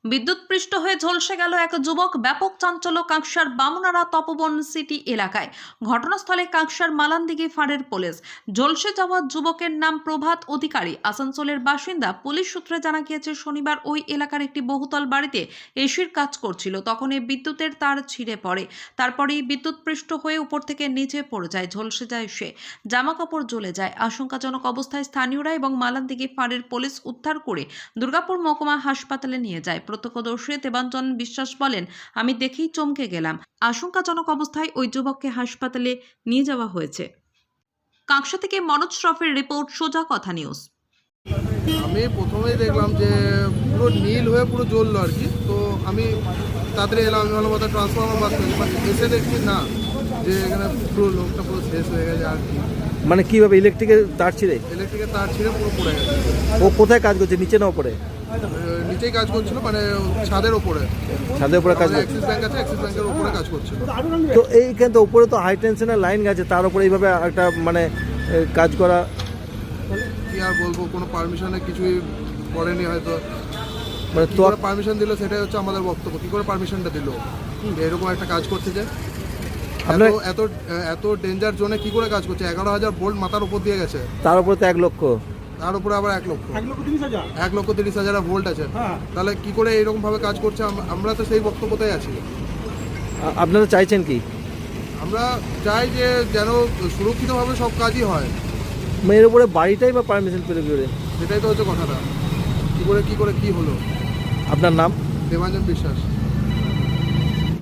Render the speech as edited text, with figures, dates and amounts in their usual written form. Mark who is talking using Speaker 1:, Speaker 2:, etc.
Speaker 1: বিদ্যুৎপৃষ্ট হয়ে ঝলসে গেল এক যুবক। ব্যাপক চাঞ্চল্য কাঁকসার বামুনারা তপবন সিটি এলাকায়। ঘটনাস্থলে কাঁকসার মালানদিঘি ফাঁড়ের পুলিশ। ঝলসে যাওয়া যুবকের নাম প্রভাত অধিকারী, আসানসোলের বাসিন্দা। পুলিশ সূত্রে জানা গিয়েছে, শনিবার ওই এলাকার একটি বহুতল বাড়িতে এসির কাজ করছিল। তখন এই বিদ্যুতের তার ছিঁড়ে পড়ে। তারপরেই বিদ্যুৎপৃষ্ট হয়ে উপর থেকে নিচে পড়ে যায়, ঝলসে যায় সে। জামা কাপড় জ্বলে যায়। আশঙ্কাজনক অবস্থায় স্থানীয়রা এবং মালানদিঘি ফাঁড়ের পুলিশ উদ্ধার করে দুর্গাপুর মহকুমা হাসপাতালে নিয়ে যায়। প্রত্যক্ষদর্শী দেবাঞ্জন বিশ্বাস বলেন, আমি দেখেই চমকে গেলাম। আশঙ্কাজনক অবস্থায় ওই যুবককে হাসপাতালে নিয়ে যাওয়া হয়েছে। কাঁকসা থেকে মনোজ শ্রফের রিপোর্ট, সোজা কথা নিউজ।
Speaker 2: আমি প্রথমেই দেখলাম যে পুরো নীল হয়ে পুরো জ্বললো আর কি। তো আমি তাড়াতাড়ি এলাম, আমি ভালো মতো ট্রান্সফর্মার বাদ করি, বাট এসে দেখছি না, যে এখানে পুরো লোকটা পুরো শেষ হয়ে গেছে আর কি।
Speaker 3: মানে কিভাবে ইলেকট্রিকের তার ছিঁড়ে?
Speaker 2: ইলেকট্রিকের তার ছিঁড়ে পুরো পড়ে গেছে।
Speaker 3: ও কোথায় কাজ করছে, নিচে না উপরে?
Speaker 2: নিচেই কাজ করছিল, মানে ছাদের ওপরে।
Speaker 3: ছাদের উপরে কাজ করছে।
Speaker 2: অ্যাক্সিস ব্যাংক আছে, অ্যাক্সিস ব্যাংকের উপরে কাজ করছিল।
Speaker 3: তো এইখানে তো উপরে তো হাই টেনশনের লাইন গেছে, তার উপরে এইভাবে একটা মানে কাজ করা,
Speaker 2: কি আর বলবো, কোনো পারমিশনে কিছুই করেনি হয়তো।
Speaker 3: মানে
Speaker 2: কি
Speaker 3: তো
Speaker 2: করে পারমিশন দিল সেটাই হচ্ছে আমাদের বক্তব্য। কি করে পারমিশনটা দিল এরকম একটা কাজ করতে যায়?
Speaker 3: আপনার
Speaker 2: এত এত ডেঞ্জার জোনে কি করে কাজ করছে? 11,000 ভোল্ট মাথার উপর দিয়ে গেছে,
Speaker 3: তার উপরে তো 1 লক্ষ,
Speaker 2: তার উপরে আবার 1,30,000 ভোল্ট আছে। তাহলে কি করে এইরকম ভাবে কাজ করছে? আমরা তো সেই বক্তব্যতেই আছি।
Speaker 3: আপনারা চাইছেন কি?
Speaker 2: আমরা চাই যে যেন সুরক্ষিতভাবে সব কাজই হয়।
Speaker 3: এর উপরে বাড়িটাই বা পারমিশন পেলে কি করে?
Speaker 2: সেটাই তো হচ্ছে কথাটা। কি করে কি হলো?
Speaker 3: আপনার নাম?
Speaker 2: দেবাঞ্জন বিশ্বাস।